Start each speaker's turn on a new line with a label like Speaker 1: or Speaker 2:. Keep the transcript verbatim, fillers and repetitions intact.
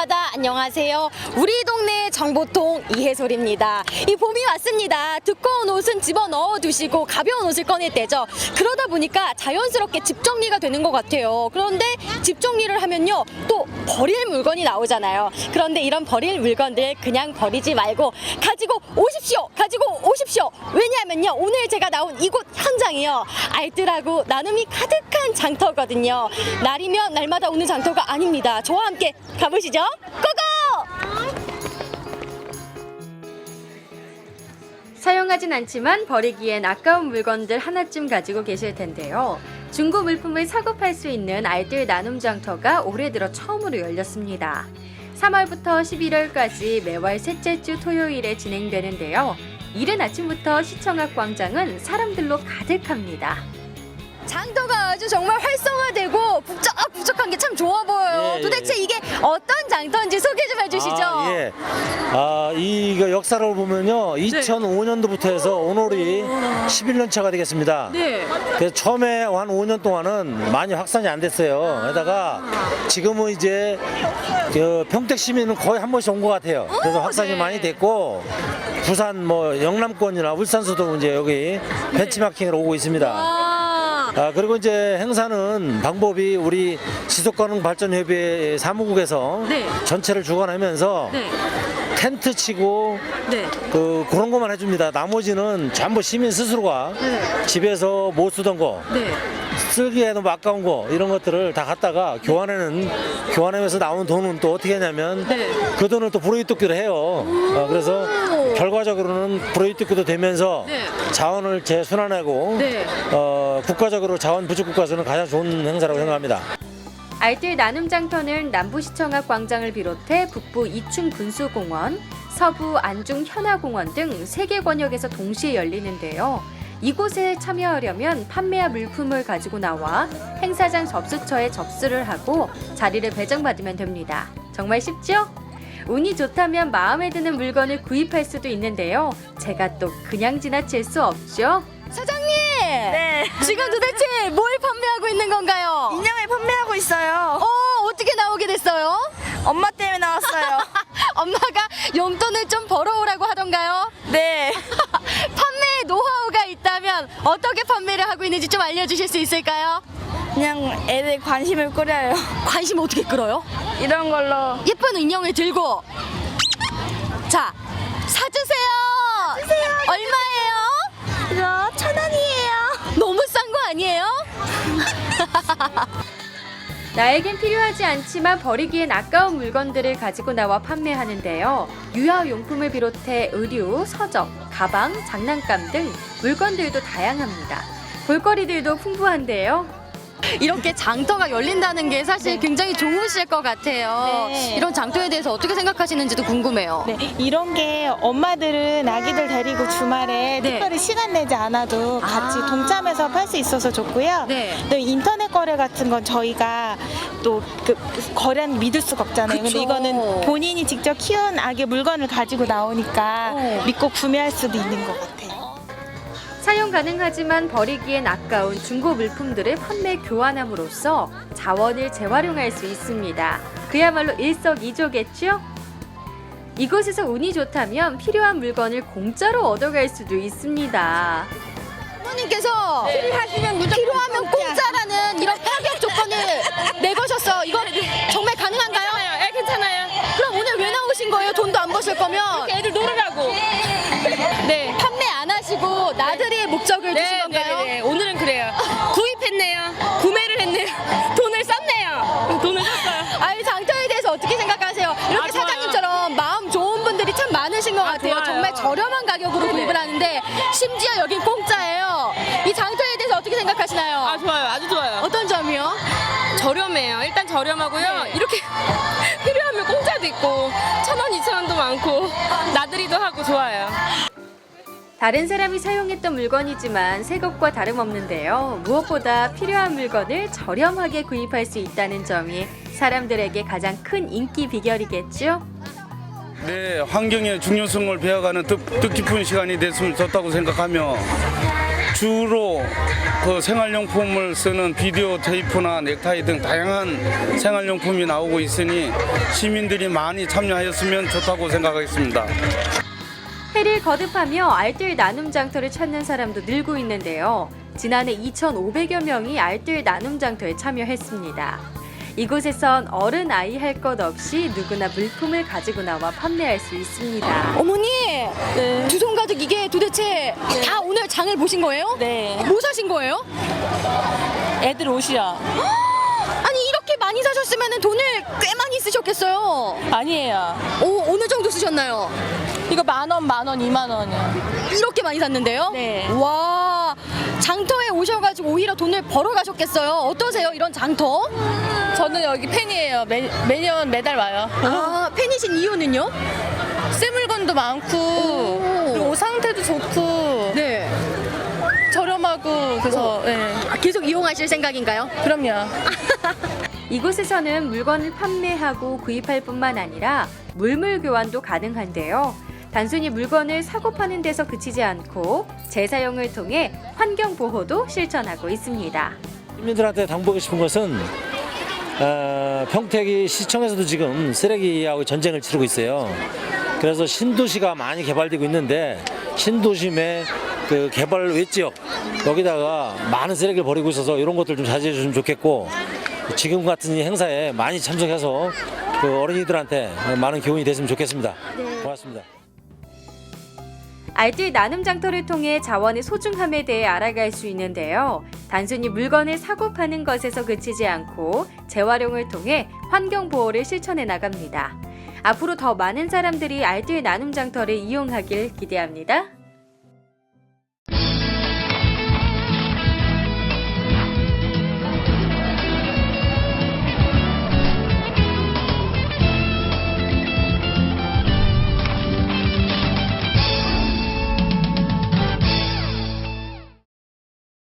Speaker 1: 바다 안녕하세요. 우리 동네 정보통 이해솔입니다. 이 봄이 왔습니다. 두꺼운 옷은 집어넣어 두시고 가벼운 옷을 꺼낼 때죠. 그러다 보니까 자연스럽게 집 정리가 되는 것 같아요. 그런데 집 정리를 하면요 또 버릴 물건이 나오잖아요. 그런데 이런 버릴 물건들 그냥 버리지 말고 가지고 오십시오. 가지고 오십시오. 왜냐하면요 오늘 제가 나온 이곳 현장이요 알뜰하고 나눔이 가득한 장터거든요. 날이면 날마다 오는 장터가 아닙니다. 저와 함께 가보시죠. 고고! 사용하진 않지만 버리기엔 아까운 물건들 하나쯤 가지고 계실 텐데요. 중고 물품을 사고 팔 수 있는 알뜰 나눔 장터가 올해 들어 처음으로 열렸습니다. 삼월부터 십일월까지 매월 셋째 주 토요일에 진행되는데요. 이른 아침부터 시청 앞 광장은 사람들로 가득합니다. 장터가 아주 정말 활성화되고 북적북적한 게 참 좋아 보여요.
Speaker 2: 예,
Speaker 1: 도대체
Speaker 2: 예.
Speaker 1: 이게 어떤 장터인지 소개 좀 해주시죠.
Speaker 2: 아, 예. 아, 이거 역사를 보면요. 이천오 년도부터 해서 오늘이 십일 년 차가 되겠습니다.
Speaker 1: 네.
Speaker 2: 그래서 처음에 한 오 년 동안은 많이 확산이 안 됐어요. 게다가 지금은 이제 그 평택 시민은 거의 한 번씩 온 것 같아요. 그래서 확산이
Speaker 1: 네.
Speaker 2: 많이 됐고 부산 뭐 영남권이나 울산서도 이제 여기 벤치마킹으로 오고 있습니다.
Speaker 1: 아.
Speaker 2: 아, 그리고 이제 행사는 방법이 우리 지속가능발전협의회 사무국에서
Speaker 1: 네.
Speaker 2: 전체를 주관하면서
Speaker 1: 네.
Speaker 2: 텐트 치고
Speaker 1: 네.
Speaker 2: 그 그런 것만 해줍니다. 나머지는 전부 시민 스스로가
Speaker 1: 네.
Speaker 2: 집에서 못 쓰던 거,
Speaker 1: 네.
Speaker 2: 쓰기에 너무 아까운 거 이런 것들을 다 갖다가 교환하는 교환하면서 나오는 돈은 또 어떻게 하냐면
Speaker 1: 네.
Speaker 2: 그 돈을 또 브로이토끼로 해요. 어, 그래서 결과적으로는 브로이토끼도 되면서
Speaker 1: 네.
Speaker 2: 자원을 재순환하고
Speaker 1: 네.
Speaker 2: 어, 국가적으로 자원 부족 국가에서는 가장 좋은 행사라고 생각합니다.
Speaker 1: 알뜰 나눔 장터는 남부시청 앞 광장을 비롯해 북부 이충 분수공원, 서부 안중 현아공원 등 세 개 권역에서 동시에 열리는데요. 이곳에 참여하려면 판매한 물품을 가지고 나와 행사장 접수처에 접수를 하고 자리를 배정받으면 됩니다. 정말 쉽죠? 운이 좋다면 마음에 드는 물건을 구입할 수도 있는데요. 제가 또 그냥 지나칠 수 없죠. 사장님!
Speaker 3: 네.
Speaker 1: 지금 도대체 뭘 판매하고 있는 건가요?
Speaker 3: 인형을 판매하고 있어요.
Speaker 1: 어, 어떻게 나오게 됐어요?
Speaker 3: 엄마 때문에 나왔어요.
Speaker 1: 엄마가 용돈을 좀 벌어오라고 하던가요?
Speaker 3: 네.
Speaker 1: 판매에 노하우가 있다면 어떻게 판매를 하고 있는지 좀 알려주실 수 있을까요?
Speaker 3: 그냥 애들 관심을 끌어요.
Speaker 1: 관심 어떻게 끌어요?
Speaker 3: 이런 걸로.
Speaker 1: 예쁜 인형을 들고 자, 사주세요.
Speaker 3: 사주세요.
Speaker 1: 얼마예요?
Speaker 3: 이거 천 원이에요.
Speaker 1: 너무 싼 거 아니에요? 나에겐 필요하지 않지만 버리기엔 아까운 물건들을 가지고 나와 판매하는데요. 유아용품을 비롯해 의류, 서적, 가방, 장난감 등 물건들도 다양합니다. 볼거리들도 풍부한데요. 이렇게 장터가 열린다는 게 사실 굉장히 좋으실 것 같아요.
Speaker 3: 네.
Speaker 1: 이런 장터에 대해서 어떻게 생각하시는지도 궁금해요.
Speaker 4: 네, 이런 게 엄마들은 아기들 데리고 주말에
Speaker 1: 네.
Speaker 4: 특별히 시간 내지 않아도 같이
Speaker 1: 아.
Speaker 4: 동참해서 팔 수 있어서 좋고요.
Speaker 1: 네.
Speaker 4: 또 인터넷 거래 같은 건 저희가 또 그 거래는 믿을 수가 없잖아요.
Speaker 1: 그쵸.
Speaker 4: 근데 이거는 본인이 직접 키운 아기 물건을 가지고 나오니까
Speaker 1: 어.
Speaker 4: 믿고 구매할 수도 있는 것 같아요.
Speaker 1: 사용 가능하지만 버리기엔 아까운 중고 물품들을 판매 교환함으로써 자원을 재활용할 수 있습니다. 그야말로 일석이조겠죠? 이곳에서 운이 좋다면 필요한 물건을 공짜로 얻어갈 수도 있습니다. 부모님께서 필요하시면 필요하면 공짜라는 이런 파격 조건을 내거셨어요. 이거 정말 가능한가요?
Speaker 5: 네, 괜찮아요.
Speaker 1: 그럼 오늘 왜 나오신 거예요? 돈도 안 버실 거면
Speaker 5: 애들 놀으라고. 네.
Speaker 1: 판매 안 하시고 나들이의 목적을 두신
Speaker 5: 네,
Speaker 1: 건가요?
Speaker 5: 네, 네. 오늘은 그래요. 구입했네요. 구매를 했네요. 돈을 썼네요. 돈을 썼어요.
Speaker 1: 아이 장터에 대해서 어떻게 생각하세요? 이렇게
Speaker 5: 아, 좋아요.
Speaker 1: 사장님처럼 마음 좋은 분들이 참 많으신 것 같아요.
Speaker 5: 좋아요.
Speaker 1: 정말 저렴한 가격으로 구입을 하는데 심지어 여긴 공짜예요. 이 장터에 대해서 어떻게 생각하시나요?
Speaker 5: 아, 좋아요. 아주 좋아요.
Speaker 1: 어떤 점이요?
Speaker 5: 저렴해요. 일단 저렴하고요.
Speaker 1: 네.
Speaker 5: 이렇게 필요하면 공짜도 있고 천 원, 이천 원도 많고 나들이도 하고 좋아요.
Speaker 1: 다른 사람이 사용했던 물건이지만 새 것과 다름없는데요. 무엇보다 필요한 물건을 저렴하게 구입할 수 있다는 점이 사람들에게 가장 큰 인기 비결이겠죠?
Speaker 6: 네, 환경의 중요성을 배워가는 뜻, 뜻깊은 시간이 됐으면 좋다고 생각하며 주로 그 생활용품을 쓰는 비디오 테이프나 넥타이 등 다양한 생활용품이 나오고 있으니 시민들이 많이 참여하였으면 좋다고 생각하겠습니다.
Speaker 7: 해를 거듭하며 알뜰 나눔 장터를 찾는 사람도 늘고 있는데요. 지난해 이천오백여 명이 알뜰 나눔 장터에 참여했습니다. 이곳에선 어른 아이 할 것 없이 누구나 물품을 가지고 나와 판매할 수 있습니다.
Speaker 1: 어머니, 두 손 가득 이게 도대체 다 오늘 장을 보신 거예요?
Speaker 5: 네.
Speaker 1: 뭐 사신 거예요?
Speaker 5: 애들 옷이요.
Speaker 1: 아니 이렇게 많이 사셨으면 돈을 꽤 많이 쓰셨겠어요.
Speaker 5: 아니에요.
Speaker 1: 오, 어느 정도 쓰셨나요?
Speaker 5: 이거 만 원, 만 원, 이만 원이요.
Speaker 1: 이렇게 많이 샀는데요?
Speaker 5: 네.
Speaker 1: 와, 장터에 오셔가지고 오히려 돈을 벌어 가셨겠어요. 어떠세요, 이런 장터?
Speaker 5: 저는 여기 팬이에요. 매, 매년 매달 와요.
Speaker 1: 아, 팬이신 이유는요?
Speaker 5: 새 물건도 많고 그리고 옷 상태도 좋고
Speaker 1: 네.
Speaker 5: 저렴하고 그래서 네.
Speaker 1: 아, 계속 이용하실 생각인가요?
Speaker 5: 그럼요.
Speaker 7: 이곳에서는 물건을 판매하고 구입할 뿐만 아니라 물물 교환도 가능한데요. 단순히 물건을 사고 파는 데서 그치지 않고 재사용을 통해 환경 보호도 실천하고 있습니다.
Speaker 2: 시민들한테 당부하고 싶은 것은 어, 평택이 시청에서도 지금 쓰레기하고 전쟁을 치르고 있어요. 그래서 신도시가 많이 개발되고 있는데 신도심의 그 개발 외지역 여기다가 많은 쓰레기를 버리고 있어서 이런 것들 좀 자제해 주시면 좋겠고, 지금 같은 이 행사에 많이 참석해서 그 어린이들한테 많은 교훈이 됐으면 좋겠습니다. 고맙습니다.
Speaker 7: 알뜰 나눔 장터를 통해 자원의 소중함에 대해 알아갈 수 있는데요. 단순히 물건을 사고 파는 것에서 그치지 않고 재활용을 통해 환경 보호를 실천해 나갑니다. 앞으로 더 많은 사람들이 알뜰 나눔 장터를 이용하길 기대합니다.